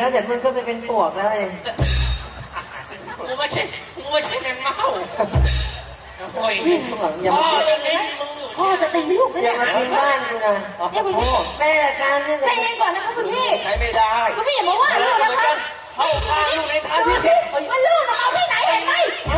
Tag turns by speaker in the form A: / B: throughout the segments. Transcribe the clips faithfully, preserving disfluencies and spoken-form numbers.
A: แล้วเดี๋ยวมึงก็ไปเป็นปวกแล้วเลย
B: กูไม่ใช่กูไม่ใช่แมงเม่าโอ้ยพ่อจะเล่นมึงอยู่
C: พ่อจะตีลูกไม่
A: อย่า
C: ได้
A: มากินบ้านกูนะแม่การนี่
C: ใจเย็นก่อนนะคะคุณพี่
B: ใช้ไม่ได้
C: คุณพี่อย่ามาว่าลูกนะคะ
B: เข้าข้างลูกในทาง
C: ดู
B: ที่
C: สิ
B: ผิด
C: ว่าลูกนะเอาที่ไหนเห็นไหม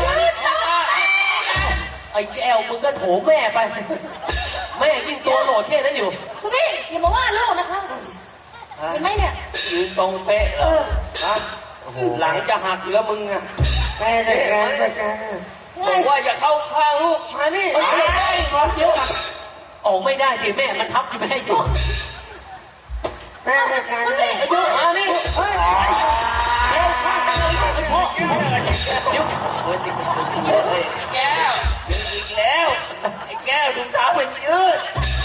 B: ไอ้แก้วมึงก็โถแม่ไปแม่ยิ่งตัวโหลดแค่นั้นอยู่
C: คุณพี่อย่ามาว่าลูกนะคะเห็นไหมเนี่ย
B: ยืนตรงเป๊ะเหรอฮะหลังจะหักอยู่แล้วมึงอะ
A: แม่จัดการจัดการ
B: บอกว่าอย่าเข้าข้างลูกมานี่ไอ้ก่อนเดี๋ยวออกไม่ได้สิแม่มันทับอยู่ไม่ให้อยู่
A: แม่จัดการเลย
B: มานี่เฮ้ยเข้าข้างเลยพ่อเดี๋ยวไอ้แก้วอีกแล้วไอ้แก้วถุงเท้ามันยืด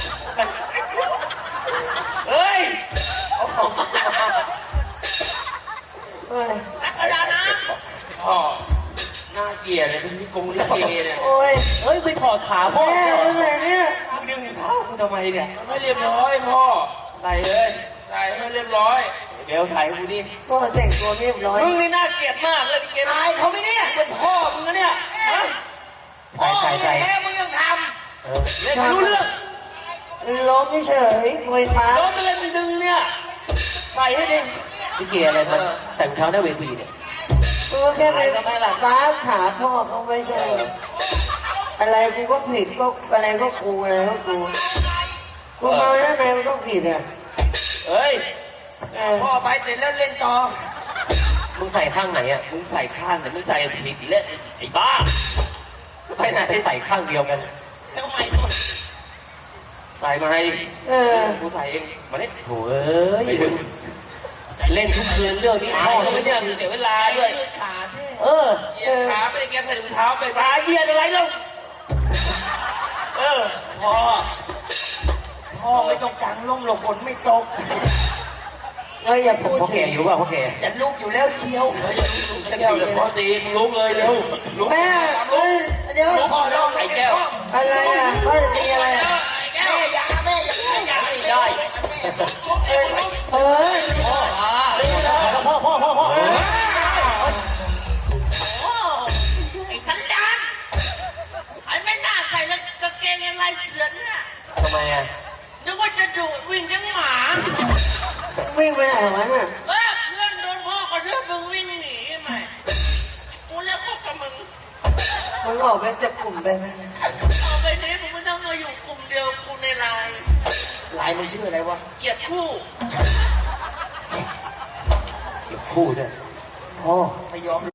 B: เฮ้ยเอาของมา
A: โอ้ย
B: อาจารย์นะพ่อน่าเกลียดเลยที่กงลิเกเนี่ย
A: โอ้ย
B: เฮ้ยไปถอดขาพ่อ
A: แม่
B: เนี่ย
A: เป็นไงเนี่ย
B: มึงดึงเท้ากูทำไมเนี่ยไม่เรียบร้อยพ่อใส่เลยใส่ไม่เรียบร้อยเดี๋ยวใส่กูดิ
A: พ่อแต่งตัวเรียบร้อย
B: มึงนี่น่าเกลียดมากเลยเกลียดอายเขาไหมเนี่ยเป็นพ่อมึงนะเนี่ยพ่อแท้มึงยังทำเล่นไม่รู้เรื่อง
A: ล้มเฉยมวยฟ้า
B: ล้มไปเลยมึงดึงเนี่ยใส่ให้ดิพี่เกลียดอะไรมันใส่รองเท้าหน้าเวทีเนี่ย
A: ตัวแค่ไปฟ้าขาพ่อเขาไม่ใช่อะไรกูก็ผิดก็อะไรก็กูอะไรก็กูกูเมาแล้วไงมันก็ผิดอ่ะ
B: เฮ้ย
A: พ่อ
B: ไปเสร็จแล้วเล่นต่อมึงใส่ข้างไหนอ่ะมึงใส่ข้างแต่มึงใส่ผิดเล่นไอ้บ้าไปไหนใส่ข้างเดียวกันทำไมใส่มาให้
A: เออ
B: กูใส่เองมาเนี่ยโถ่เอ้ยเล่นทุกคืนเรื่องนี้พ่อก็ไม่เนี่ยเสียเวลาด้วยขาเออเหยียดขาไม่ได้แกใส่ถุงเท้าไปตาเหยียดอะไรแล้วเออพ่อพ่อไม่ต้องกางร่มหรอกฝนไม่ตก
A: เฮ้ยอย่าพูด
B: พ่อแก่อยู่ป่ะพ่อแก่จะลุกอยู่แล้วเชียวเฮ้ยจะลุกเลยพ่อตีลุกเลยเร็วลุก
A: แม่เฮ้ยเดี๋ยว
B: ลุกพ่อลุกไอ้แก้ว
A: อะไรอ่ะพ่อจะตีอะไรอ่ะ
B: แก้วอย่าแม่อย่าอย่าไม่ได้
A: เฮ้ย
B: พ่อพ่อพ่อพ่อพ่อไอ้สันดานไอ้ไม่น่าใส่แล้วกางเกงอะไรเสือเนี่ยทำไมอ่ะนึกว่าจะดุวิ่งยังหมา
A: วิ่งไปไหนวะน่ะ
B: เออเพื่อนโดนพ่อกระทืบมึงวิ่งหนีไหมกูเรียกพวกกับมึง
A: มันออกไปจากกลุ่มไปไหม
B: เอาไปนี้มึงไม่ต้องมาอยู่กลุ่มเดียวกูในไลน์ไลน์มึงชื่ออะไรวะเกียรติคู่เกียรติคู่ด้วยพ่อไม่ยอม